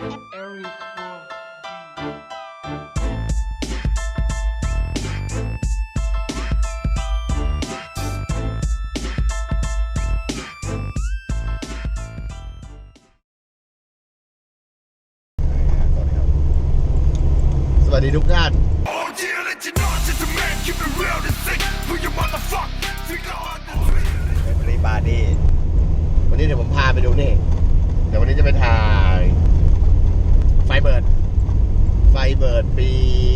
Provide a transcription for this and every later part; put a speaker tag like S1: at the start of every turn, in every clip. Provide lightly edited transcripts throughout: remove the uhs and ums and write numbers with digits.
S1: สวัสดีทุกท่านรีบาร์ดี้วันนี้เดี๋ยวผมพาไปดูนี่เดี๋ยววันนี้จะไปถ่ายไฟเบิร์ดปี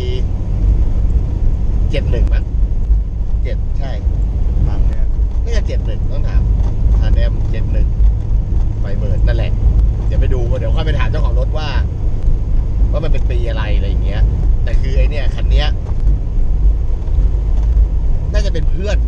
S1: 71มั้ง7ใช่มั้งเนี่ยน่าจะ71ต้องถามแอม71ไฟเบิร์ดนั่นแหละเดี๋ยวไปดูเดี๋ยวค่อยไปถามเจ้าของรถว่ามันเป็นปีอะไรอย่างเงี้ยแต่คือไอเนี่ยคันเนี้ยน่าจะเป็นเพื่อน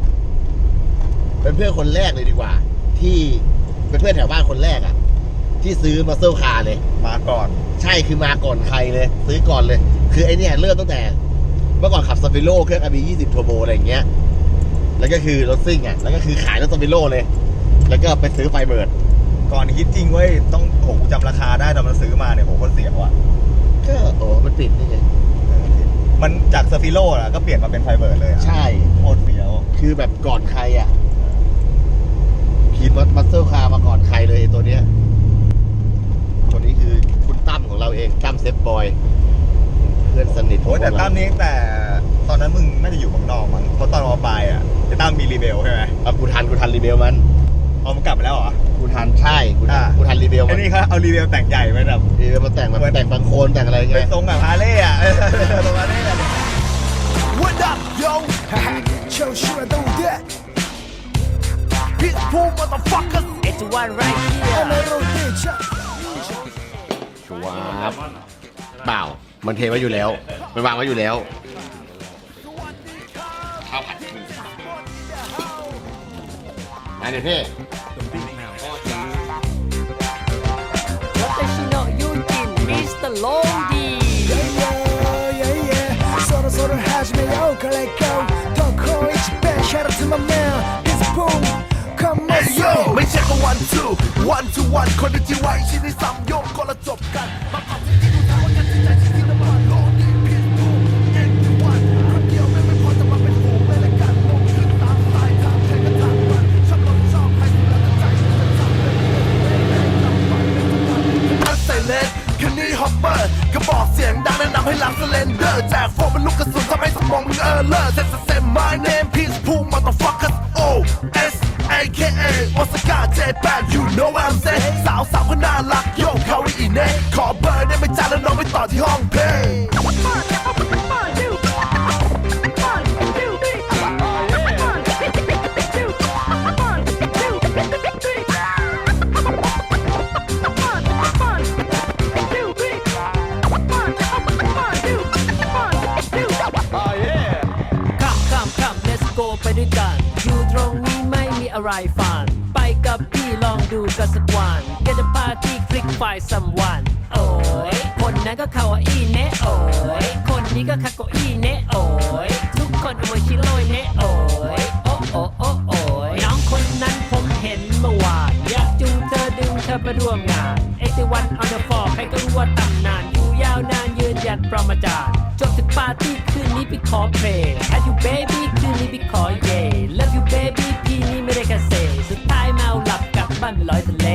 S1: คนแรกเลยดีกว่าที่เป็นเพื่อนแถวบ้านคนแรกอ่ะที่ซื้อมาเซลคาร์เลยมาก่อนใช่คือมาก่อนใครเลยซื้อก่อนเลยคือไอเนี่ยเริ่มตั้งแต่เมื่อก่อนขับซาฟิโร่เครื่อง RB 20 Turbo อะไรอย่างเงี้ยแล้วก็คือรถซิ่งอ่ะแล้วก็คือขายรถซาฟิโร่เลยแล้วก็ไปซื้อไฟเบิร์ด
S2: ก่อนคิดจริงเว้ยต้องโหกูจำราคาได้ตอนมันซื้อมาเนี่ยโหคนเสียว่ะ
S1: ก็มันปิดนี่ไง
S2: มันจากซาฟิโร่อะก็เปลี่ยนมาเป็นไฟเบิร์ดเลย
S1: ใช่
S2: โคตรเสียว
S1: คือแบบก่อนใครอ่ะขี่มัสเซลคาร์มาก่อนใครเลยตัวเนี้ยตัวนี้คือคุณตั้มของเราเองตั้มเซฟบอยเพื่อนสนิท
S2: โอ้แต่ตั้มนี้แต่ตอนนั้นมึงน่าจะอยู่เมืองนอกมั้งเพราะตอนมาปลายอ่ะจะตั้มมีรีเบลใช่ไหม
S1: กูทันรีเบลมัน
S2: มันกลับไปแล้วเหรอ
S1: กูทันใช่กูทันรีเบล
S2: มันนี่เขาเอารีเบลแต่งใหญ่ไปแบบ
S1: รีเบลมาแต่งบางโคนแต่งอะไรเงี้ย
S2: เป็นทรงแบบฮาร์เลย์อ่ะทรงฮาร์เลย์
S3: What up yo Show sure I do that Pitbull motherfuckers
S4: It's one right here
S1: ชัวร์เปล่ามันเทไว้อยู่แล้วมันวางไว้อยู่แล้วข้าวผัดอันนี้พี่
S4: 私の友人 Mr. Longy
S3: 서로 하지마요 갈래고 더 커 이치 배 Shout out to my man Pitbull Come on yo ไม่ใช่แค่ one to one คนที่ไว้ชิ้นที่ซ้ำโยกก็ละจบกันมาขับที่ดูทางว่ากันที่ใจที่น้ำมันโลนี่ Pitbull เก่งที่วันคนเดียวไม่พอจะมาเป็นฝูงไม่ละกันลงขึ้นตามสายทางใครก็ทางมันชอบรถชอบใครดูแลใจฉันจะทำเป็นอัสเซเลนคันนี้ฮอปเปอร์กระบอกเสียงดังแนะนำให้หลังสเลนเดอร์แจกโฟมเป็นลูกกระสุนทำให้สมองมึงเลอร์เซ็ตเซ็ต my name Pitbull motherfuckers O S AKA วอสกาเจแปน you know what I'm saying สาวก็น่ารักโยกเขาได้อีเน่ขอเบอร์ได้ไหมจ้าแล้วน้องไปต่อที่ห้องเพลง
S4: ไปด้วยกันอยู่ตรงนี้ไม่มีอะไรฝันไปกับพี่ลองดูกันสักวันก็จะพาที่คลิกไฟสัมวันโอ้ยคนนั้นก็เขาอีเนะโอ้ยคนนี้ก็คาโกอีเนะโอ้ยทุกคนเอาไว้ชิโร่เนะโอ้ยโอ้โอ้โอ้โอ้ยน้องคนนั้นผมเห็นเมื่อวานอยากจูงเธอดึงเธอไปร่วมงาน81 on the floor ใครก็รู้ว่าตำนานอยู่ยาวนานยืนหยัดประมาจารย์จบถึงปาร์ตี้คืนนี้พี่ขอเพลง Have you baby คืนนี้พี่ขอเย่ Love you baby พี่นี้ไม่ได้แค่เซ่สุดท้ายเมาหลับกลับบ้านไปลอยทะเล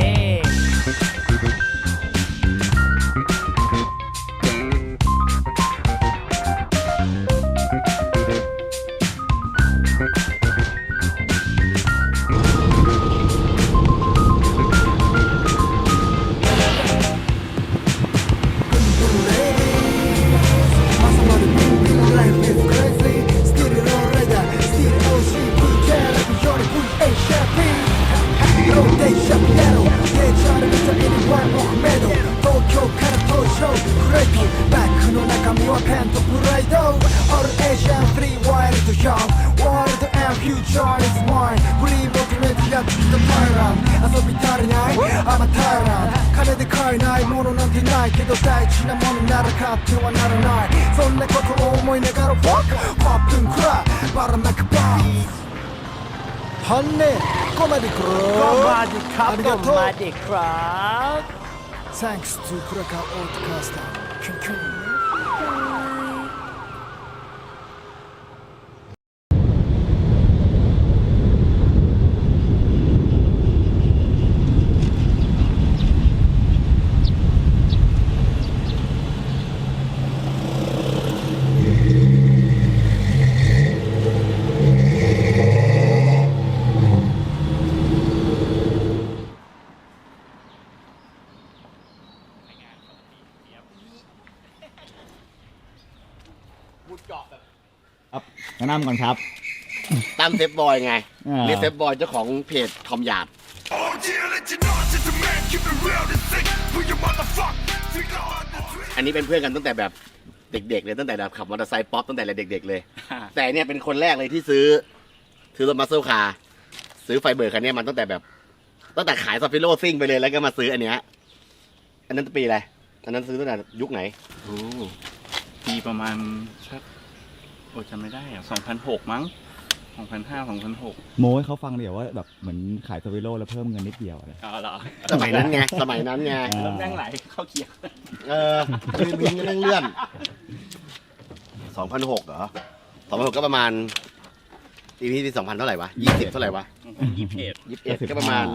S3: けど大事なものなら買ってはならないそんなことを思いながら Walk ポップンクライばらまくバーฮันเน่ก็มาดิครับ
S4: ก็มาดิครับก็มาดิครับ
S3: Thanks to Krakow Outcaster. 킁킁.
S1: พูดเจาะแบบ
S2: ครับแนะนำก่อนครับ
S1: ตั้มเซฟบอยไง
S2: อ่า
S1: เรียกเซฟบอยเจ้าของเพจคอมหยาบ
S3: Oh yeah, let you know, just a man, keep it real, this thing, for your motherfucker. Figure out the trick.
S1: อันนี้เป็นเพื่อนกันตั้งแต่แบบเด็กๆเลยตั้งแต่แบบขับมอเตอร์ไซค์ป๊อปตั้งแต่เด็กๆเลย แต่เนี่ยเป็นคนแรกเลยที่ซื้อรถมัสเซลคาร์ซื้อไฟเบอร์คันเนี้ยมันตั้งแต่ขายซอฟฟิโลซิ่งไปเลยแล้วก็มาซื้ออันเนี้ยอันนั้นปีอะไรอันนั้นซื้อตั้งแต่ยุคไหน
S5: โอ้ปีประมาณสักโอ้จำไม่ได้อะ2006 มั้ง 2005 2006
S2: โม้ให้เขาฟังเดี๋ยวว่าแบบเหมือนขายสวิโลแล้วเพิ่มเงินนิดเดียวอะไร
S5: อ๋อเหรอ
S1: สมัยนั้นไงสมัยนั้นไง
S2: อ่า
S5: เริ่มแม่งไหลเข้าเกียร์
S1: วินเลื่อน2006เหรอ2006ก็ประมาณปีที่2000เท่าไหร่วะ20เท่าไหร่วะ
S5: 21
S1: 21ก็ประมาณ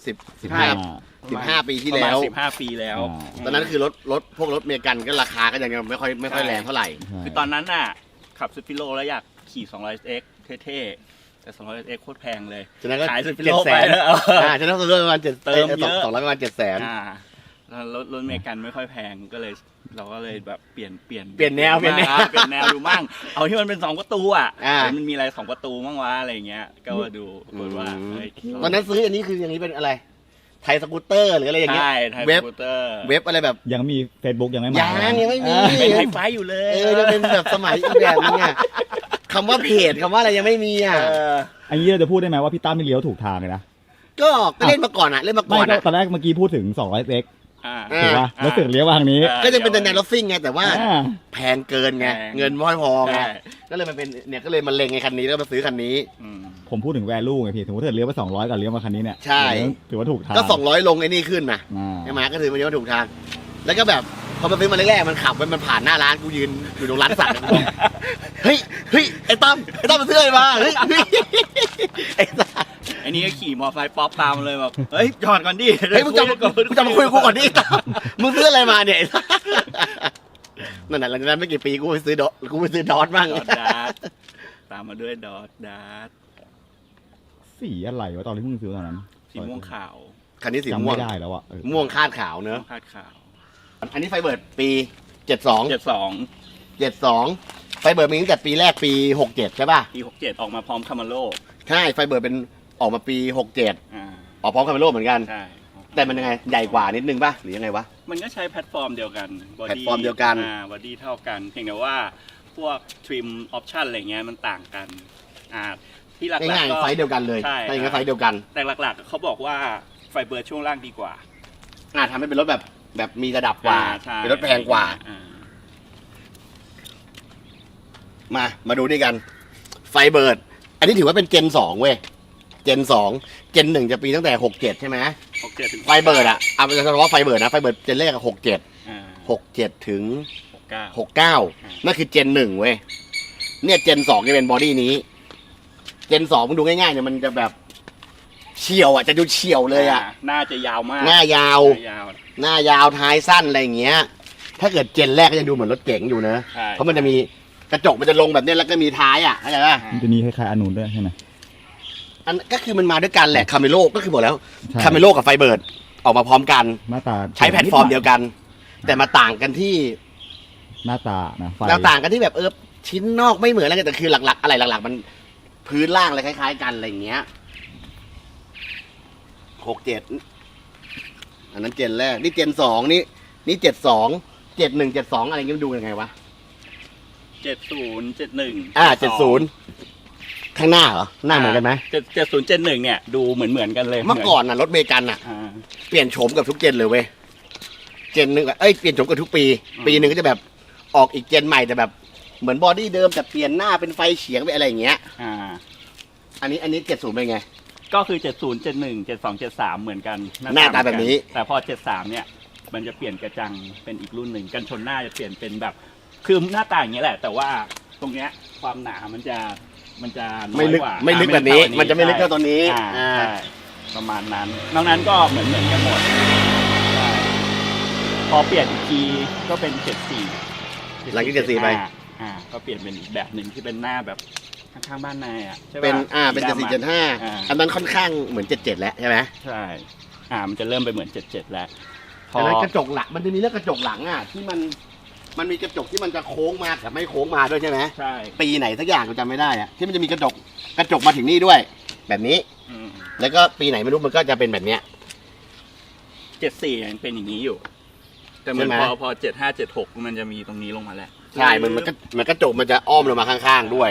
S1: 15ปีที่
S5: ประมา
S1: แล้
S5: ณ
S1: ว
S5: 15 ปีแล้ว
S1: ตอนนั้นคือพวกรถเมกันก็ราคาก็ยังไม่ค่อยแรงเท่าไหร่
S5: คือตอนนั้นน่ะ ขับสปิโลแล้วอยากขี่ 200X เท่ๆ แต่ 200X โคตรแพงเลย
S1: ฉะนั้นก็
S5: ขายสปิ
S1: เจ็
S5: โล
S1: ดแส
S5: ไป
S1: น
S5: แล้ว
S1: ฉะนั้นซื้อประมาณ7
S5: เติมเยอะ
S1: 200ประมาณ700,000
S5: แล้วรถเมกันไม่ค่อยแพงก็เลยเราก็เลยแบบเปลี่ยน
S1: เปลี่ยนแนว
S5: เปลี่ยนแนวดูมั่ง เอาที่มันเป็น2ประตูอ่ะ
S1: อ่า
S5: มันมีอะไร2ประตูมั่งวะอะไรเงี้ย ก็มาดูปรากฏว่าเฮ้ย
S1: ตอนนั้นซื้ออันนี้คืออย่างนี้เป็นอะไร ไทยสกูตเตอร์หรืออะไรอย่างเงี้ย
S5: ใช่ไทย
S1: เว็บ
S5: สกูตเตอร์
S1: เว็บอะไรแบบ
S2: ยังมี Facebook ยังไม่มา
S1: ยังไม่มี
S5: เป็นไฮไฟอยู่เลย
S1: จะเป็นแบบสมัยอีกแบบนึงอ่ะคำว่าเพจคำว่าอะไรยังไม่มีอ่ะ
S2: อันนี้เราจะพูดได้ไหมว่าพี่ตั้มไม่เลี้ยวถูกทางเลยนะ
S1: ก็เล่นมาก่อนอ่ะเล่นมา
S2: ไม่
S1: ก่อน
S2: ก็
S1: อ่ะ
S2: ตอนแรกเมื่อกี้พูดถึง 200x
S5: อ่า
S1: อ่า
S2: ถูกป่ะแล้วเสือกเลี้ยวมาทางนี้
S1: ก็ยังเป็นแนวรถซิ่งไงแต่ว่า
S2: อ่า
S1: แพงเกินไง
S5: แพง
S1: เงินไม่พอไง
S5: ใช่
S1: ก็เลยมันเป็นเนี่ยก็เลยมาเล็งไอ้คันนี้แล้วมาซื้อคันนี้
S5: อืม
S2: ผมพูดถึง value ไงพี่สมมติถ้าเลี้ยวไป200กับเลี้ยวมาคันนี้เนี่ย
S1: ใช่
S2: ถือว่าถูกทาง
S1: ก็200ลงไอ้นี่ขึ้นนะ
S2: อ่า
S1: ใช่ไหมก็ถือมันเรียกว่าถูกทาง แล้วก็แบบพอมาซื้อมาแรกๆมันขับไปมันผ่านหน้าร้านกูยืนอยู่ตรงร้านสัตว์กูบอกเฮ้ยไอ้ตั้มมาซื้ออะไรมาเฮ้ยไอ้สัตว์
S5: ไอ้นี่ก็ขี่มอไซค์ป๊อปตามเลยแบบเฮ้ยจอดก่อนดิ
S1: เฮ้ยมึงจะมาคุยกับกูก่อนดิตั้มมึงซื้ออะไรมาเนี่ยไอ้สัตว์นั่นแหละหลังจากนั้นไม่กี่ปีกูไปซื้อดอทบ้าง
S5: ดอทดาร์ทตามมาด้วยดอทดาร์ท
S2: สีอะไรวะตอนที่มึงซื้อตอนนั้น
S5: สีม่วงขาว
S1: คันนี้สี
S2: จำ
S1: ม่วง
S2: ไม่ได้แล้วอ่ะ
S1: ม่วงคาดขาวเนอะ
S5: คาดขาว
S1: อันนี้ไฟเบิร์ดปี72
S5: 72
S1: ไฟเบิร์ดมีตั้งแต่ปีแรกปี67ใช่ป่ะ
S5: ปี67ออกมาพร้อมคามาโล
S1: ใช่ไฟเบิร์ดเป็นออกมาปี67
S5: อ่า
S1: ออกพร้อมคาเมโลเหมือนกัน
S5: ใช่
S1: แต่มันยังไงใหญ่กว่านิดนึงป่ะหรือยังไงวะ
S5: มันก็ใช้แพลตฟอร์มเดียวกัน body
S1: แพลตฟอร์มเดียวกัน
S5: บอดี้เท่ากัน เพียงแต่ว่าพวกทริมออปชันอะไรเงี้ยมันต่างกันที่หลัก
S1: ง่าย
S5: ๆก็
S1: ๆไฟเดียวกันเลย
S5: ใช่
S1: ถ้าอย่างนั้นไฟเดียวกัน
S5: แต่หลักๆเขาบอกว่าไฟเบอร์ช่วงล่างดีกว่า
S1: ทำให้เป็นรถแบบมีระดับกว่า
S5: ใช่
S1: เป็นรถแพงกว่า
S5: อ่
S1: มาดูด้วยกัน ไฟเบิร์ด อันนี้ถือว่าเป็นเจน2เว้ย เจน2เจน1จะปีตั้งแต่67ใช่ไหม
S5: 67ถึง
S1: ไฟเบิร์ดอะเอาจะเฉพาะไฟเบิร์ดนะ ไฟเบิร์ดเจนแรกอะ67
S5: อ่า
S1: 67ถึง
S5: 69
S1: 69นั่นคือเจน1เว้ย เนี่ยเจน2จะเป็นบอดี้นี้ เจน2มึงดูง่ายๆเนี่ยมันจะแบบเฉียวอะจะดูเฉียวเลยอะ
S5: น่าจะยาวมาก
S1: หน้ายาว หน้ายาวท้ายสั้นอะไรอย่างเงี้ย ถ้าเกิดเจนแรกก็ยังดูเหมือนรถเก๋งอยู่นะ
S5: ใช่
S1: เพราะมันจะมีกระจกมันจะลงแบบเนี้ยแล้วก็มีท้ายอ่ะเข้าใจป่ะ
S2: มันจะมีคล้ายๆอันนู้นด้วยใช่ไหม
S1: อันก็คือมันมาด้วยกันแหละคาเมโลก็คือบอกแล้ว
S2: ใช่
S1: คาเมโลกับไฟเบิร์ดออกมาพร้อมกัน
S2: หน้าตา
S1: ใช้แพลตฟอร์มเดียวกัน แต่มาต่างกันที่
S2: หน้าตานะไฟ
S1: ต่างกันที่แบบชิ้นนอกไม่เหมือนอะไรกันแต่คือหลักๆอะไรหลักๆมันพื้นล่างอะไรคล้ายๆกันอะไรอย่างเงี้ย67อันนั้นเจนแรกนี่เจน2นี่72 71 72อะไรเงี้ยมันดูยังไงวะ
S5: 70 71
S1: 70ข้างหน้าเหรอหน้าเหมือนกันไหม
S5: 70 71เนี่ยดูเหมือนกันเลย
S1: เมื่อก่อนน่ะรถเมกันน่ะ
S5: อ่า
S1: เปลี่ยนโฉมกับทุกเจนเลยเว้ยเจนหนึ่งเปลี่ยนโฉมกับทุกปี
S5: อืม
S1: ปีหนึ่งก็จะแบบออกอีกเจนใหม่แต่แบบเหมือนบอดี้เดิมแต่เปลี่ยนหน้าเป็นไฟเฉียงไปอะไรอย่างเงี้ย
S5: อ่า
S1: อันนี้70เป็นไง
S5: ก็คือ 70 71 72 73 เหมือนกัน
S1: หน้าตาแบบนี้
S5: แต่พอ 73 เนี่ยมันจะเปลี่ยนกระจังเป็นอีกรุ่นหนึ่งกันชนหน้าจะเปลี่ยนเป็นแบบคือหน้าตาอย่างเงี้ยแหละ แต่ว่าตรงเนี้ยความหนามันจะน้
S1: ไม่
S5: อย
S1: ลึก
S5: กว่า
S1: ไม่ลึกแบบนี้
S5: ไเท่า
S1: มันจะไม่ลึกเท่าตัวนี้
S5: ใช่ประมาณนั้นนอกนั้นก็เหมือนกันหมดใช่พอเปลี่ยนอีกทีก็เป็น74
S1: หลังจาก74ไป
S5: ก็เปลี่ยนเป็นอีกแบบหนึ่งที่เป็นหน้าแบบข้างๆบ้านนายอ่ะใช่ปะ
S1: เป็นเป็น
S5: สีดำอะ
S1: 7475อันนั้นค่อนข้างเหมือน77แล้วใช่ไหม
S5: ใช่ มันจะเริ่มไปเหมือน77แล้ว พอ
S1: อันนั้นกระจกหลังมันจะมีเรื่องกระจกหลังที่มันมีกระจกที่มันจะโค้งมากับไม่โค้งมาด้วยใช่ไหม
S5: ใช่
S1: ปีไหนสักอย่างกูจำไม่ได้ที่มันจะมีกระจกมาถึงนี่ด้วย แบบนี้
S5: อืม
S1: แล้วก็ปีไหนไม่รู้มันก็จะเป็นแบบเนี้ย
S5: 74ยังเป็นอย่างนี้อยู่ แต่เหมือน
S1: ใช่ไหม
S5: พอ75 76มันจะมีตรงนี้ลงมาแล้ว
S1: ใช่มันกระจกมันจะอ้อมลงมาข้างๆด้วย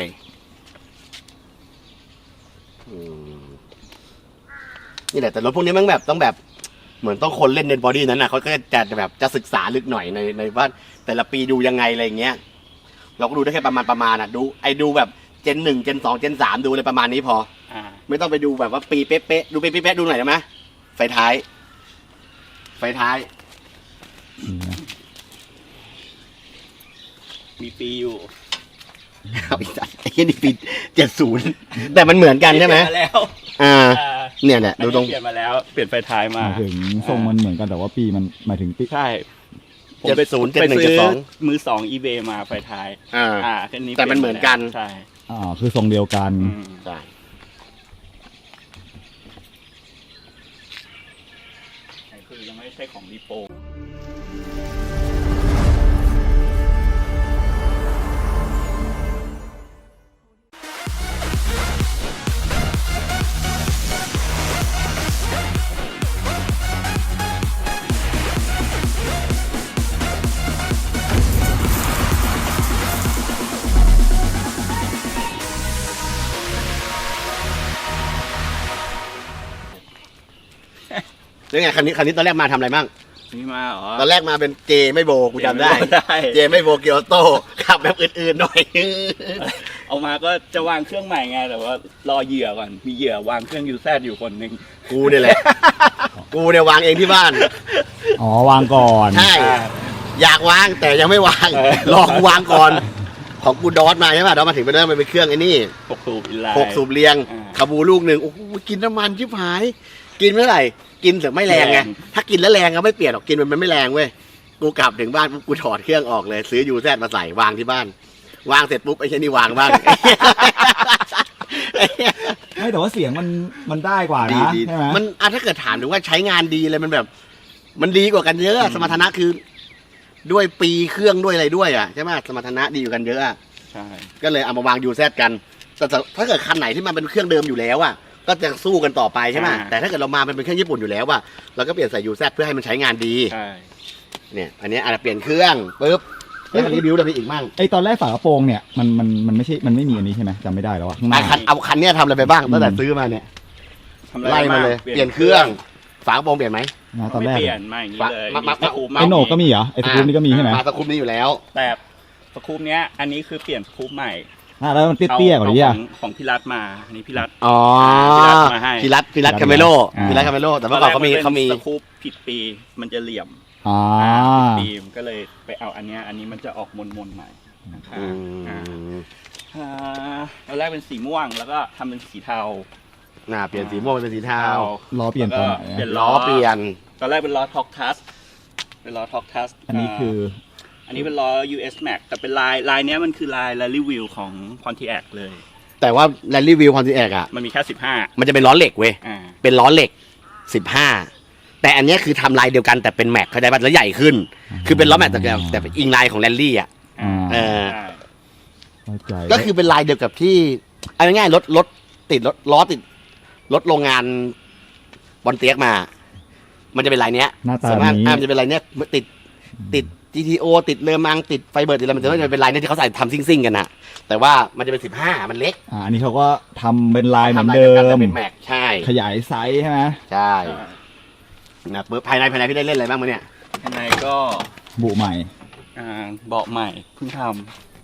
S1: นี่แหละแต่รถพวกนี้มันแบบต้องแบบเหมือนต้องคนเล่นในบอดี้นั้นเขาก็จะแบบจะศึกษาลึกหน่อยในว่าแต่ละปีดูยังไงอะไรอย่างเงี้ยเราก็ดูได้แค่ประมาณดูแบบเจน 1 เจน 2 เจน 3ดูเลยประมาณนี้พอ ไม่ต้องไปดูแบบว่าปีเป๊ะๆดูปีเป๊ะๆดูหน่อยได้ไหมไฟท้าย
S5: มีปีอยู่
S1: เอาอีกไอ้นี่ปี70แต่มันเหมือนกันใช่ไหม
S5: เปลี่ยนมาแล้ว
S1: เนี่ยดูตรง
S5: เปลี่ยนมาแล้ว เปลี่ยนไฟท้าย
S6: ห
S5: มา
S6: มายถึงทรงมันเหมือนกันแต่ว่าปีมันหมายถึงปี
S5: ใช่ ผมไป
S1: 70
S5: ไปซื้อ
S1: 71
S5: มือ2 eBay มาไฟท้าย คันนี้
S1: แต่มันเหมือนกัน
S5: ใช่
S6: คือทรงเดียวกัน
S1: ใช่
S5: คือยังไม่ใช่ของรีโป
S1: แล้วไงคันนี้ตอนแรกมาทำอะไรบ้าง
S5: นี่มาเหรอ
S1: ตอนแรกมาเป็นเจไม่โบกูจำได้ เจไม่โบเกียวโต้ขับแบบอื่นๆหน่อย
S5: เอามาก็จะวางเครื่องใหม่ไง แต่ว่ารอเหยื่อก่อน มีเหยื่อวางเครื่องยูแซดอยู่คนหนึ่ง
S1: กูเนี่ยแหละ กูเนี่ยวางเองที่บ้าน
S6: อ๋อวางก่อน
S1: ใช่ อยากวางแต่ยังไม่วาง รอกูวางก่อน ของกูดอสมาใช่ป่ะดอสมาถึงไปเริ่มเป็นเครื่องไอ้นี่
S5: 6 สูบอินไลน์
S1: 6 สูบเรียง
S5: อ่า
S1: คาบูลูกหนึ่งโอ้โหกินน้ำมันชิบหาย กินเมื่อไหร่ กินแต่ไม่แรงไง
S5: แรง
S1: ถ้ากินแล้วแรงก็ไม่เปลี่ยนหรอกกินมันไม่แรงเว้ย กูกลับถึงบ้านปุ๊บกูถอดเครื่องออกเลย ซื้อยูแซดมาใส่วางที่บ้าน วางเสร็จปุ๊บไอ้เช่นนี่วางบ้าง
S6: ไม่แต่ว่าเสียงมันได้กว่า
S1: ดี
S6: นะ
S1: ดี
S6: ใช่ไหม
S1: มันถ้าเกิดถามถึงว่าใช้งานดีเลยมันแบบ มันดีกว่ากันเยอะสมรรถนะคือ ด้วยปีเครื่องด้วยอะไรด้วยใช่ไหมสมรรถนะดีกว่ากันเยอะ
S5: ใช่
S1: ก็เลยเอามาวางยูแซดกันแต่ถ้าเกิดคันไหนที่มันเป็นเครื่องเดิมอยู่แล้วก็จะสู้กันต่อไปใช่ไหมแต่ถ้าเกิดเรามาเป็นเครื่องญี่ปุ่นอยู่แล้วเราก็เปลี่ยนใส่ยูแซดเพื่อให้มันใช้งานดี
S5: ใช่
S1: เนี่ยอันนี้อาจจะเปลี่ยนเครื่องปุ๊บแล้วรีวิวอะไรอีกมั่ง
S6: ไอตอนแรกฝากระโปรงเนี่ยมันไม่ใช่มันไม่มีอันนี้ใช่ไหมจำไม่ได้แล้วอะข้างหน้า
S1: เอาคันเนี้ยทำอะไรไปบ้างตั้งแต่ซื้อมาเนี่ย
S5: ทำอะร
S1: ไล่มาเลย
S5: บ้ง
S1: เปลี่ยนเครื่องฝากระโปรงเปลี่ยนไหม
S6: นะตอน
S5: ไม่
S6: แรก
S5: เปลี่ยนมาอย่างนี้เลย
S1: มา
S5: สกู๊ป
S6: ไอโหนกก็มีเหรอไอสกู๊ปนี่ก็มีใช่ไหม
S1: มาสกุปนี้อยู่แล้ว
S5: แต่สกู๊ปเนี้ย อันนี้คือเปลี่ยนสกู๊ปใหม่
S6: แล้วมันเตี้ยๆกว่านี้
S5: ข
S6: อ่ะ
S5: ของพี่รัฐมาอันนี้พี่รัฐ
S1: อ๋อ
S5: พี่รัฐมาให้
S1: พี่รัฐคาเมโล
S6: อ่า
S1: พี่รัฐคาเมโลแต่เมื่อก่อนเขามี
S5: สกู๊ปผิดปีมันจะเหลี่ยม
S6: อ๋อ
S5: ผิดปีมก็เลยไปเอาอันเนี้ยอันนี้มันจะออกมนๆหน่อยนะครับ
S1: อืม
S5: ตอนแรกเป็นสีม่วงแล้วก็ทำเป็นสีเทา
S1: เปลี่ยนสีม่วงเป็นสีเทา
S6: ล้อเปลี่ยนตอนไหน
S5: เปลี่ยน
S1: ล้อเปลี่ยน
S5: ตอนแรกเป็นล้อท็อกทัสเป็นล้อท็อกทัส
S6: อันนี้คือ
S5: อันนี้เป็นล้อ US Max แต่เป็นลายเนี้ยมันคือลาย Rally Wheel ของ Pontiac เลย
S1: แต่ว่าแรลลี่วิวคอนติแอก
S5: มันมีแค่15
S1: มันจะเป็นล้อเหล็กเว้ย
S5: อ่า
S1: เป็นล้อเหล็ก 15 แต่อันเนี้ยคือทำลายเดียวกันแต่เป็นแม็กเข้าใจป่ะแล้วใหญ่ขึ้น คือเป็นล้อแม็กแต่เป็นอิงลายของแรลลี่
S6: เอ
S1: อ
S5: ใช่
S6: เข้าใจ
S1: ก็คือเป็นลายเดียวกับที่เอาง่ายๆรถติดล้อติดรถโรงงานบอลเตียกมา มันจะเป็นลายเนี้ย
S6: หน้าตา
S1: ส่วนมาก
S6: นี้
S1: มันจะเป็นลายเนี้ยติด GTO ติดเลอมังติดไฟเบอร์ติดอะไรมันจะเป็นลายเนี้ยที่เขาใส่ทำซิ่งๆกันนะแต่ว่ามันจะเป็น15มันเล็ก
S6: อันนี้เขาก็ทำเป็นลายเหมือน
S1: ทำลาย
S6: เดิ
S1: ยวกันแต่
S6: ม
S1: เป็นแม็กใช่
S6: ขยายไซส์ใช่ไหม
S1: ใช่นะปุ๊บภายในพี่ได้เล่นอะไรบ้างมั้ยเนี่ย
S5: ข้างในก็
S6: บุใหม่
S5: เบาะใหม่เพิ่งท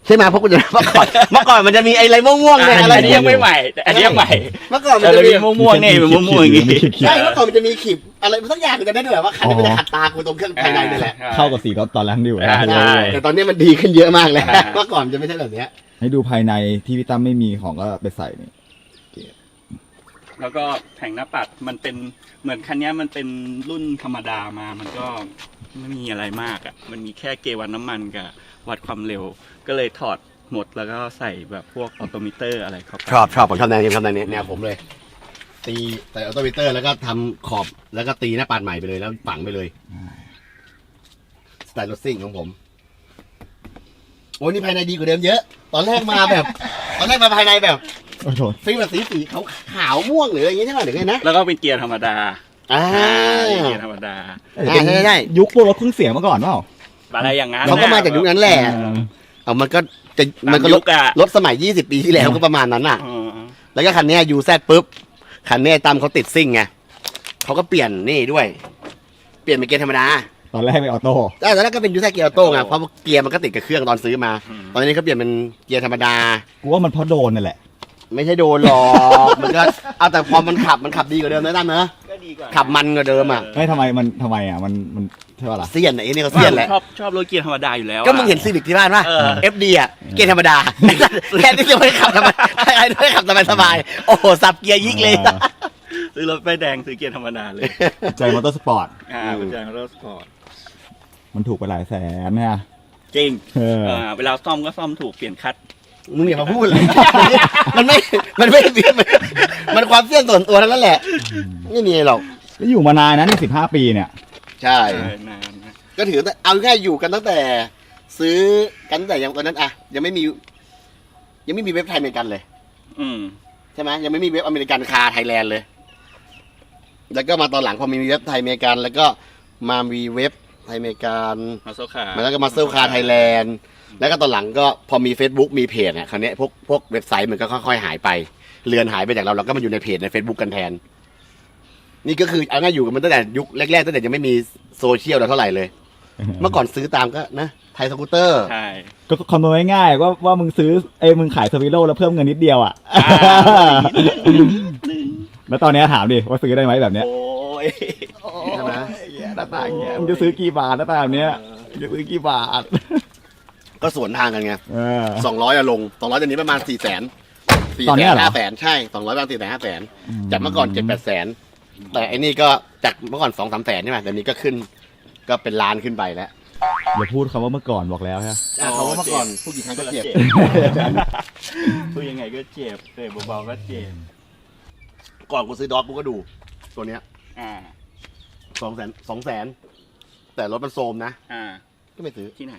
S1: ใช่ไหมเพราะกูจะเมื่อก่อนมันจะมีไอ้อะไรม่วงๆเนี่ยอะไร
S5: อันนี้ยังไม่ใหม่แต่อันนี้ยังใหม่
S1: เมื่อก่อนมัน
S5: แต่
S1: จะ
S5: จะ
S1: มี
S5: มีม่วงๆนี่เป็นม่วงๆอย่างงี้
S1: ใช่เมื่อก่อนมันจะมีขีบอะไรสักอย่างกันได้ด้วยว่าคันนี้มันจะขัดตากูตรงเครื่องภายในนี่แหละ
S6: เข้ากับสีรถตอนแรกดิว
S5: อ่าใช่
S1: แต่ตอนนี้มันดีขึ้นเยอะมากแล้วเมื่อก่อนมันจะไม่ใช่แบบเนี้ย
S6: ให้ดูภายในที่พี่ตั้มไม่มีของก็ไปใส่นี่
S5: แล้วก็แผงหน้าปัดมันเป็นเหมือนคันนี้มันเป็นรุ่นธรรมดามามันก็ไม่มีอะไรมากอ่ะมันมีแค่เกวัดน้ำมันกับวัดความเร็ว ก็เลยถอดหมดแล้วก็ใส่แบบพวกออโตมิเตอร์อะไรเข้าไป
S1: ชอบผมชอบแนวนี้แนวผมเลย ตีใส่ออโตมิเตอร์แล้วก็ทำขอบแล้วก็ตีหน้าปาดใหม่ไปเลยแล้วฝังไปเลยสไตล์รถซิ่งของผมโอ้ยนี่ภายในดีกว่าเดิมเยอะ ตอนแรกมาภายในแบบ
S6: โอ้โห
S1: ฟิล์มแบบสีขาวม่วงหรืออะไรอย่างงี้ใช่ไหมหรือไงนะ
S5: แล้วก็เป็นเกียร์ธรรมดา
S1: เป็น
S5: เกียร์ธรรมดา
S1: ใช่
S6: ยุคพวกรถเครื่องเสียงมาก่อนเปล่า
S5: อะไรอย่างนั้น
S1: เขาก็มาจากยุคนั้นแหละ เอามันก็รถ
S5: อะ
S1: รถสมัย20 ปีที่แล้วก็ประมาณนั้นน่ะ แล้วก็คันนี้ยูแซดปุ๊บคันนี้ตั้มเขาติดซิ่งไงเขาก็เปลี่ยนนี่ด้วย เปลี่ยนเป็นเกียร์ธรรมดา
S6: ตอนแรกเป็นออโต้
S1: แต่ตอนแรกก็เป็นยูแซดเกียร์ออโต้ไงเพราะเกียร์มันก็ติดกับเครื่องตอนซื้อมา ตอนนี้เขาเปลี่ยนเป็นเกียร์ธรรมดา
S6: กูว่ามันเพราะโดนนั่นแหละ
S1: ไม่ใช่โดนหรอกมันก็เอาแต่พอมันขับดีกว่าเดิมนะตั้มเนอะ
S5: ก็ดีกว่า
S1: ขับมันกว่าเดิมอ่ะ
S6: ไม่ทำไมมันใช่ป่ะล่ะ
S1: เสี้ยนไอ้นี่เขาเสี้ยนแหละ
S5: ชอบรถเกียร์ธรรมดาอยู่แล้ว
S1: ก็มึงเห็นซีวิกที่บ้านป่ะ
S5: เออ
S1: FD อ่ะเกียร์ธรรมดาแค่ที่จะไม่ขับทำไมไม่ขับสบายๆโอ้โหสับเกียร์ยิกเลย
S5: ซื้อรถป้ายแดงซื้อเกียร์ธรรมดาเลย
S6: ใจมอเตอร์สปอร์ต
S5: เป็นใจรถสปอร์ต
S6: มันถูกไปหลายแสนเนี่ย
S5: จริง
S6: เออ
S5: เวลาซ่อมก็ซ่อมถูกเปลี่ยนคัด
S1: มึงอย่ามาพูดเลย มันไม่เสี้ยนมันความเสี้ยนส่วนตัวทั้งนั้นแหละไม่มีหรอก
S6: แล้วอยู่มานานนะนี่15 ปีเนี่ย
S1: ใช่
S5: นานนะ
S1: ก็ถือว่าเอาง่ายอยู่กันตั้งแต่ ซื้อกันตั้งแต่ยังตอนนั้นอะยังไม่มีเว็บไทยอเมริกันเลย
S5: อืม
S1: ใช่ไหมยังไม่มีเว็บอเมริกันคาไทยแลนด์เลย แล้วก็มาตอนหลังพอมีเว็บไทยอเมริกัน แล้วก็มามีเว็บไทยอเมริกัน
S5: มาโซคา
S1: แล้วก็มาเซลคาไทยแลนด์แล้วก็ตอนหลังก็พอมี Facebook มีเพจเนี่ยคราวนี้พวกเว็บไซต์มันก็ค่อยๆหายไปเลือนหายไปจากเราก็มาอยู่ในเพจใน Facebook กันแทน นี่ก็คือเอาง่ายอยู่กันมันตั้งแต่ยุคแรกๆตั้งแต่ยังไม่มีโซเชียลเราเท่าไหร่เลย เมื่อก่อนซื้อตามก็นะไทยสกูตเตอร์
S5: ใช่
S6: ก็คำนวณง่ายๆว่ามึงซื้อมึงขายสวิโลแล้วเพิ่มเงินนิดเดียวอ่ะ แล้วตอนนี้ถามดิว่าซื้อได้ไหมแบบเนี้ย
S5: โอ้ย
S1: ใช่ไหม
S6: หน้าตาอย่างเงี้ยมึงจะซื้อกี่บาทหน้าตาแบบเนี้ยจะซื้อกี่บาท
S1: ก็สวนทางกันไง
S6: เออ
S1: 200อะลง200ตอนนี้ประมาณ400,000
S6: ตอนเนี้ยเหรอ
S1: 500,000ใช่200ประมาณ400,000 จากเมื่อก่อน7-800,000แต่ไอ้นี่ก็จากเมื่อก่อน2-3 แสนใช่ไหมแต่นี้ก็ขึ้นก็เป็นล้านขึ้นไปแล้ว
S6: อย่าพูดคำว่าเมื่อก่อนบอกแล้วใช่ไหม
S1: เขาว่าเมื่อก่อนพูดกี่ครั้งก็เจ็บ
S5: พูดยังไงก็เจ็บเบาๆก็เจ็บ
S1: ก่อนกูซื้อดอทกูก็ดูตัวเนี้ย
S5: อ่า
S1: 200,000แต่รถมันโซมนะ
S5: อ่า
S1: ก็ไม่ซื้อ
S5: ที่ไหน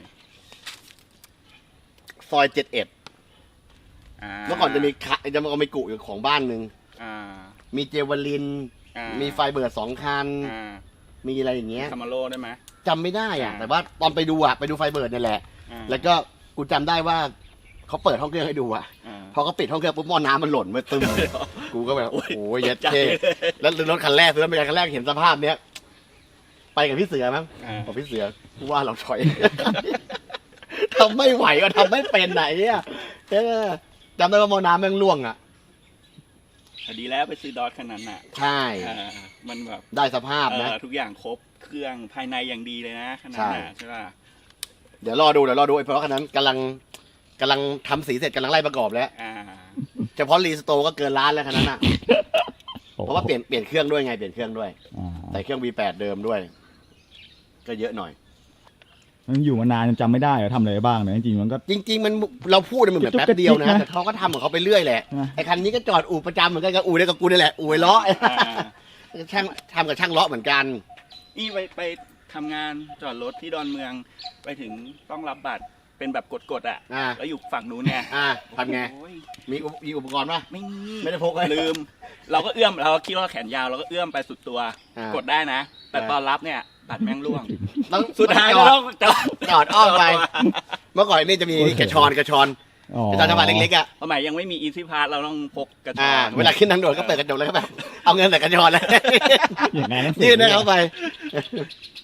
S1: ซอย71
S5: อ่า
S1: เมื่อก่อนจะมีกุอยู่ของบ้านหนึ่ง
S5: อ่า
S1: มีเจวลิน
S5: อ่า
S1: มีไฟเบิร์ด2 คัน
S5: อ่า
S1: มีอะไรอย่างเงี้ย
S5: คามาโร่ได้ไหม
S1: จำไม่ได้อ่ะ
S5: อ่า
S1: แต่ว่าตอนไปดูไฟเบิร์ดนี่แหละ
S5: อ่า
S1: แล้วก็กูจำได้ว่าเขาเปิดห้องเครื่องให้ดูอ่ะ
S5: อ่า
S1: พอเขาปิดห้องเครื่องปุ๊บหม้อน้ำมันหล่นมาตึมกูก็แบบโอ้โหเย็ด
S5: จัด
S1: เท่
S5: เลย
S1: แล้วรถคันแรกซื้อรถคันแรกเห็นสภาพเนี้ยไปกับพี่เสือมั้ง
S5: อ่า
S1: บอกพี่เสือกูว่าเราถอย ทำไม่ไหวก็ทำไม่เป็นไหนอ่ะจำได้ว่าหม้อน้ำแม่งล่วงอ่ะ
S5: ดีแล้วไปซื้อดอทขนาดนั้นน่ะ
S1: ใช่
S5: มันแบบ
S1: ได้สภาพนะ
S5: ทุกอย่างครบเครื่องภายในอย่างดีเลยนะขนาดนั้นน่ะใช่ป่ะ
S1: เดี๋ยวรอดูไอ้เพราะคันนั้นกำลังทำสีเสร็จกำลังไล่ประกอบแล้ว
S5: อ่า
S1: เฉพาะรีสโตร์ก็เกินล้านแล้วคันนั้นอ่ะ เพราะว่าเปลี่ยนเครื่องด้วยไงเปลี่ยนเครื่องด้วย
S6: อ่า
S1: ใส่เครื่อง V8 เดิมด้วย ก็เยอะหน่อย
S6: มันอยู่มานานจนจำไม่ได้ว่าทำอะไรบ้างเนี่ยจริงๆมันก็
S1: จริง ๆ มันเราพูดมันเหมือนแป๊บเดียวนะ แต่เขาก็ทำของเขาไปเรื่อยแหละ
S6: ใช่ไหม
S1: ไอ้คันนี้ก็จอดอู่ประจำเหมือนกันกับอู่เดียวกับกูนี่แหละอู่ไอ้ล้อ ช่างทำกับช่างล้อเหมือนกัน
S5: นี่ไปทำงานจอดรถที่ดอนเมืองไปถึงต้องรับบัตรเป็นแบบกดๆอ่ะ
S1: อ่า
S5: แล้วอยู่ฝั่งนู้นไง
S1: ทำไง
S5: โอ้ย
S1: มีอุปกรณ์ป่ะ
S5: ไม่มี
S1: ไม่ได้พกเลย
S5: ลืม เราก็เอื้อมเราก็คิดว่าแขนยาวเราก็เอื้อมไปสุดตัว
S1: อ่าก
S5: ดได้นะ แต่
S1: อ่า
S5: ตอนรับเนี่ยบัตรแม่งร่วง
S1: ต้อง
S5: สุดท้าย
S1: จ
S5: ก็
S1: อด
S5: ต้อง
S1: จอดอ้อมไป เมื่อก่อนนี่จะมีกระชอน
S6: อ๋อ
S1: กระชอนจังหวัดเล็กๆอ่ะ
S5: สมัยยังไม่มีอีซี่พาสเราต้องพกกระชอน
S1: เวลาขึ้นทางด่วนก็เปิดกระจกแล้วก็แบบเอาเงินใส่กระชอนแล้ว
S6: อย่างนั้น
S1: ยื่นให้เขาไป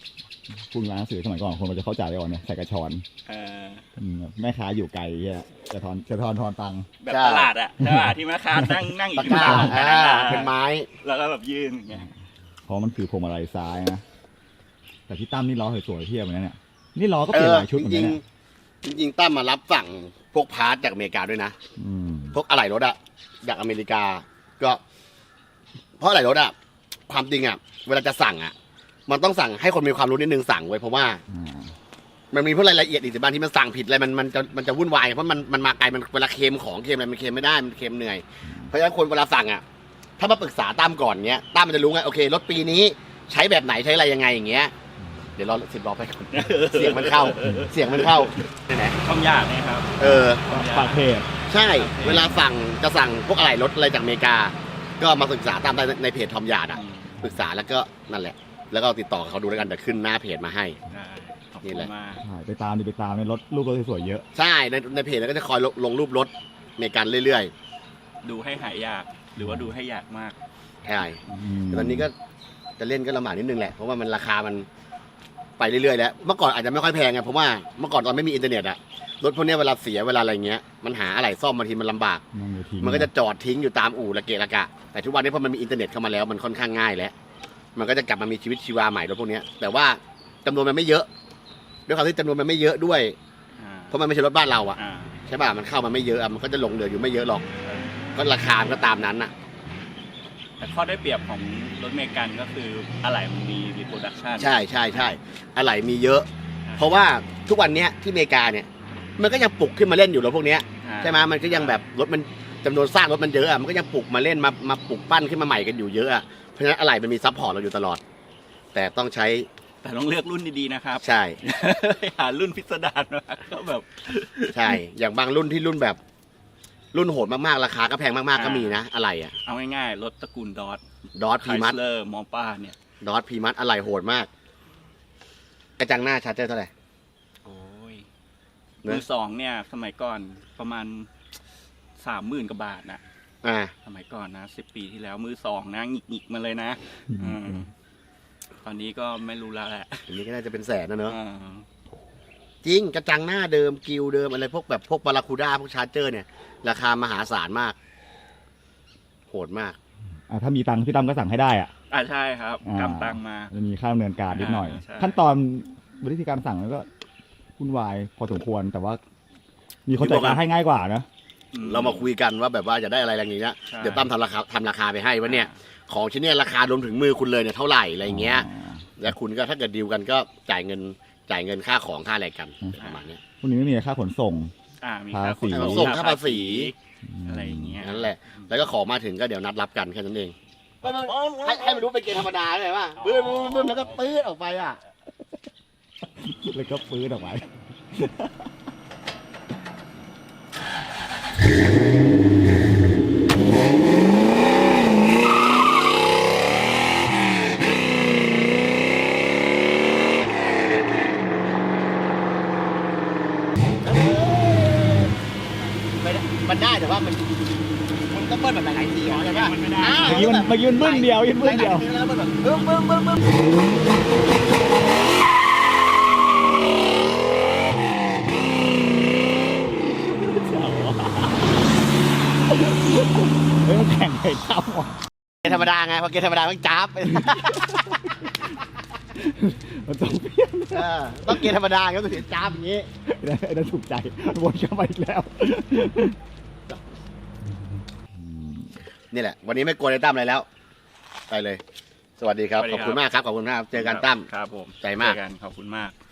S6: คุณร้านหนังสือสมัยก่อนคนมันจะเข้าใจเลยว่าเนี่ยใส่กระชอน
S5: เออ
S6: แม่ค้าอยู่ไกลเหี้ยจะทอนตังค์
S5: แบบตลาดอะตลาดที่แม่ค้านั่งอี
S1: ตะ
S5: ก
S1: กร้า
S5: ฝั่ง
S1: เป็นไม้
S5: แล้วก็แบบยื่นอย่างเงี้ย
S6: เพราะมันคือพวงมาลัยซ้ายนะแต่พี่ตั้มนี่ล้อสวยๆเทียบเหมือนกันเนี่ยนี่ล้อก็เปลี่ยนหลายชุดเหมือนกันเนี่ย
S1: จริงๆตั้มมารับสั่งพวกพาร์ทจากอเมริกาด้วยนะ
S6: อืม
S1: พวกอะไหล่รถอะจากอเมริกา ก็เพราะอะไหล่รถอะความจริงอะเวลาจะสั่งอะมันต้องสั่งให้คนมีความรู้นิดนึงสั่งไว้เพราะว่า
S6: อ่า
S1: มันมีพวกรายละเอียดอีกบางที่มันสั่งผิดอะไรมันจะวุ่นวายเพราะมันมาไกลมันเวลาเค็มของเค็มอะไรมันเค็มไม่ได้มันเค็มเหนื่อยเพราะฉะนั้นคนเวลาสั่งอะถ้ามาปรึกษาตั้มก่อนเงี้ยตั้มมันจะรู้ไงโอเครถปีนี้ใช้แบบไหนใช้อะไรยังไงอย่างเงี้ยเดี๋ยวรอ10 ล้อไปก่อนเสียงมันเข้าไหน
S5: ช่องยากเนี่ยครับ
S1: เออ
S6: ปากเพจ
S1: ใช่ เวลาจะสั่งพวกอะไรรถอะไรจากอเมริกา ก็มาศึกษาตามในเพจทอมยาร์ดอ่ะปรึกษาแล้วก็นั่นแหละ แล้วก็ติดต่อเขาดูแล้วกันเดี๋ยวขึ้นหน้าเพจมาให้
S5: ขอบ
S1: นี่
S5: คุณ
S1: แหละ
S5: มาก
S6: ใช่ไปตามในรถรูปรถสวยๆเยอะ
S1: ใช่ในเพจแล้วก็จะคอยลงรูปรถอเมริกันเรื่อย
S5: ดูให้หายยากหรือว่าดูให้ยากมาก
S1: ๆใช่แต่ตอนนี้ก็จะเล่นก็ลำบากนิดนึงแหละเพราะว่ามันราคามันไปเรื่อยๆแล้วเมื่อก่อนอาจจะไม่ค่อยแพงไงเพราะว่าเมื่อก่อนตอนไม่มีอินเทอร์เน็ตอะรถพวกเนี้ยเวลาเสียเวลาอะไรเงี้ยมันหาอะไรซ่อมบางทีมันลำบาก มันก็จะจอดทิ้งอยู่ตามอู่ละเกะละกะ แต่ทุกวันนี้พอมันมีอินเทอร์เน็ตเข้ามาแล้วมันค่อนข้างง่ายแล้ว มันก็จะกลับมามีชีวิตชีวาใหม่รถพวกเนี้ยแต่ว่าจำนวนมันไม่เยอะ ด้วยความที่จำนวนมันไม่เยอะด้วย เพราะมันไม่ใช่รถบ้านเราอะใช่ป่ะ มันเข้ามาไม่เยอะอะมันก็จะหลงเหลืออยู่ไม่เยอะหรอก ก็ราคามันก็ตามนั้นอะ
S5: แต่ข้อได้เปรียบของรถเมกันก็คืออะไหล่มันมีรีโปรดักชัน
S1: ใช่ใช่ใช่อะไรมีเยอะ เพราะว่าทุกวันเนี้ยที่อเมริกาเนี่ย มันก็ยังปลุกขึ้นมาเล่นอยู่รถพวกเนี้ยใช่ไหมมันก็ยังแบบรถมันจำนวนสร้างรถมันเยอะอะมันก็ยังปลุกมาเล่นมาปลุกปั้นขึ้นมาใหม่กันอยู่เยอะอะเพราะฉะนั้นอะไรมันมีซัพพอร์ตเราอยู่ตลอด แต่ต้องใช้
S5: แต่ต้องเลือกรุ่นดีๆนะครับ
S1: ใช่
S5: หารุ่นพิสดารมาก็แบบ
S1: ใช่ อย่างบางรุ่นที่รุ่นแบบ รุ่นโหดมากๆราคาก็แพงมากๆก็มีนะอะไรอะ
S5: เอาง่ายๆรถตระกูลดอท
S1: ดอทพีมัส
S5: เลอร์มอป้าเนี่ย
S1: ดอทพีมัสอะไรโหดมาก กระจังหน้าชาร์เจอร์เท่าไหร่
S5: โอ้ย
S1: นะ
S5: มือสองเนี่ย สมัยก่อนประมาณ30,000 กว่าบาทนะ
S1: อ่า
S5: สมัยก่อนนะ10 ปีที่แล้วมือสองนะหงิกๆมาเลยนะตอนนี้ก็ไม่รู้แล้วแหละ
S1: อันนี้ก็น่าจะเป็นแสนนะเนอะ
S5: อ่า
S1: จริงกระจังหน้าเดิมกิวเดิมอะไรพวกแบบพวกบาราคูด้าพวกชาร์เจอร์เนี่ย ราคามหาศาลมาก โหดมาก
S6: ถ้ามีตังค์พี่ตั้มก็สั่งให้ได้อ่ะ
S5: ใช่ครับกำตังมา
S6: จะมีค่าดำเนินการนิดหน่อย
S5: ใช่
S6: ขั้นตอนวิธีการสั่งมันก็วุ่นวายพอสมควรแต่ว่า มีคนจัดการให้ง่ายกว่านะ
S1: เรามาคุยกันว่าแบบว่าจะได้อะไรอย่างเงี้ย
S5: ใช่
S1: เดี๋ยวตั้มทำราคาไปให้ว่าเนี่ย ของชิ้นเนี้ยราคารวมถึงมือคุณเลยเนี่ยเท่าไหร่อะไรเงี้ย แล้วคุณก็ถ้าเกิดดีลกันก็จ่ายเงินค่าของค่าอะไรกันประมาณเนี้ย
S6: พวกนี้ไม่มีค่าขนส่ง
S5: มีค่าขน
S1: ขนส่งค่าภาษี
S5: อะไรอย่างเงี้ย
S1: นั่นแหละ แล้วก็ของมาถึงก็เดี๋ยวนัดรับกันแค่นั้นเองให้มันรู้เป็นเกณฑ์ธรรมดาเลยว่าบึ้มแล้วก็ปื๊ดออกไปอ่ะ
S6: แล้วก็ฟื้นออกไป
S1: มันได้แต่ว่ามันต้องเบิ้ลแบบหลายๆทีใช่ไหม
S5: มันไม่ได้
S6: เมื่อกี้มันบึ้งเดียวยืนบึ้งเดียว
S1: แล้วมันแบบบึ้ม
S6: เฮ้ยมันแข่งไปตั้มว่ะ
S1: เกณฑ์ธรรมดาไงพอเกณฑ์ธรรมดามันจ้าบ
S6: มันต้องเปลี่ยน
S1: ต้องเกณฑ์ธรรมดาก็ถึงจ้าบอย่างนี้
S6: ไอ้นั่นถูกใจวนเข้ามาอีกแล้ว
S1: นี่แหละ วันนี้ไม่กลัวในตั้มอะไรแล้ว ไปเลย สวัสดีครับ ขอบคุณมากครับ ขอบคุณมาก เจอกันตั้ม
S5: ครับผม
S1: ใจมาก
S5: เจอกันขอบคุณมาก